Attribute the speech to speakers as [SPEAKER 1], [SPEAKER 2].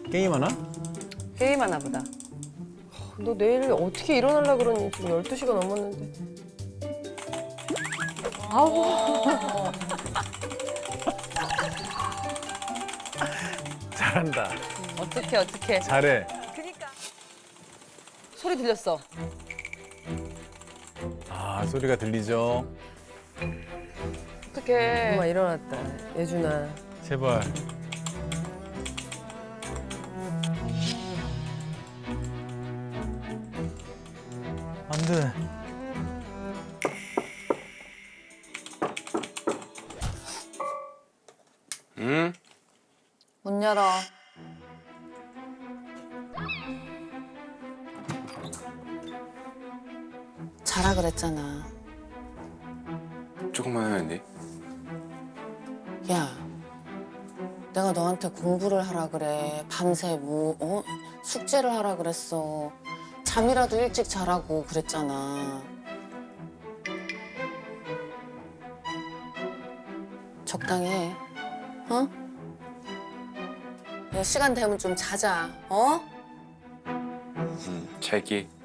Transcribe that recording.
[SPEAKER 1] 게임하나?
[SPEAKER 2] 게임하나 보다.
[SPEAKER 3] 너 내일 어떻게 일어나려고 그러니? 지금 12시가 넘었는데.
[SPEAKER 1] 잘한다.
[SPEAKER 2] 어떡해.
[SPEAKER 1] 잘해.
[SPEAKER 2] 소리 들렸어.
[SPEAKER 1] 아, 소리가 들리죠?
[SPEAKER 2] 어떡해.
[SPEAKER 3] 엄마 일어났다. 예준아.
[SPEAKER 1] 제발. 안 돼.
[SPEAKER 4] 응?
[SPEAKER 2] 문 열어. 자라 그랬잖아.
[SPEAKER 4] 조금만 하면 안 돼?
[SPEAKER 2] 야, 내가 너한테 공부를 하라 그래. 밤새 숙제를 하라 그랬어. 잠이라도 일찍 자라고 그랬잖아. 적당히 해. 어? 야, 시간 되면 좀 자자. 어?
[SPEAKER 4] 잘게.